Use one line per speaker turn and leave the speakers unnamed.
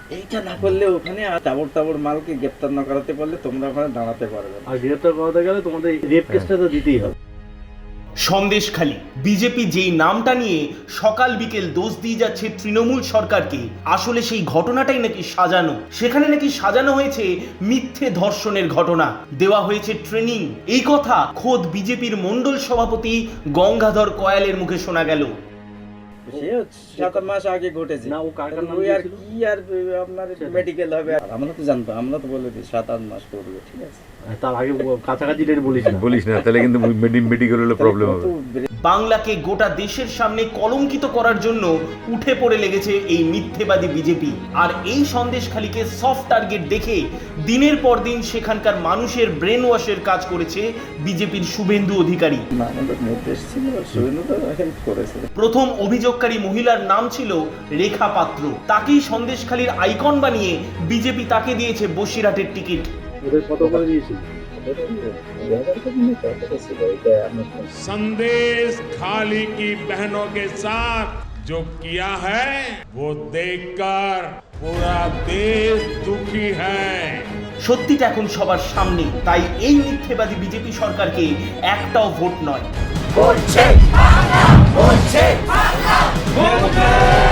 এইটা না করলে ওখানে তাবড় তাবড় মালকে গ্রেপ্তার না করাতে পারলে তোমরা ওখানে দাঁড়াতে পারবে না।
আর গ্রেপ্তার করাতে গেলে তোমাদের রেপ কেসটা তো দিতেই হবে।
সন্দেশখালী বিজেপি যেই নামটা নিয়ে সকাল বিকেল দোষ দিয়ে যাচ্ছে তৃণমূল সরকারকে, আসলে সেই ঘটনাটাই নাকি সাজানো। সেখানে নাকি সাজানো হয়েছে মিথ্যে ধর্ষণের ঘটনা, দেওয়া হয়েছে ট্রেনিং। এই কথা খোদ বিজেপির মণ্ডল সভাপতি গঙ্গাধর কয়ালের মুখে শোনা গেল।
সে 7 মাস আগে ঘটেছে
না, ও কার কার নাম
ওই আর
দিয়েছিল?
কি আর আপনার মেডিকেল হবে, আর আমরা তো জানতাম, আমরা তো বলে দিই 7-8 মাস করবে, ঠিক আছে।
তার আগে কাছাকাছি ডেট
বলিস না, তাহলে কিন্তু মেডিকেল হলে প্রবলেম হবে।
বাংলাকে গোটা দেশের সামনে কলঙ্কিত করার জন্য উঠে পড়ে লেগেছে এই মিথ্যেবাদী বিজেপি। আর এই সন্দেশখালীকে সফট টার্গেট দেখে দিনের পর দিন সেখানকার মানুষের ব্রেন ওয়াশের কাজ করেছে বিজেপির শুভেন্দু অধিকারী।
না, আমাদের নির্দেশ ছিল, শুভেন্দু তো হেল্প করেছে।
প্রথম অভিযোগকারী মহিলার নাম ছিল রেখা পাত্র। তাকেই সন্দেশখালীর আইকন বানিয়ে বিজেপি তাকে দিয়েছে বসিরহাটের টিকিট।
ওদের কত করে দিয়েছিল?
संदेश खाली की बहनों के साथ जो किया है वो देखकर पूरा देश दुखी है।
সত্যিটা এখন সবার সামনে, তাই এই মিথ্যেবাদী বিজেপি সরকারকে একটাও ভোট নয়।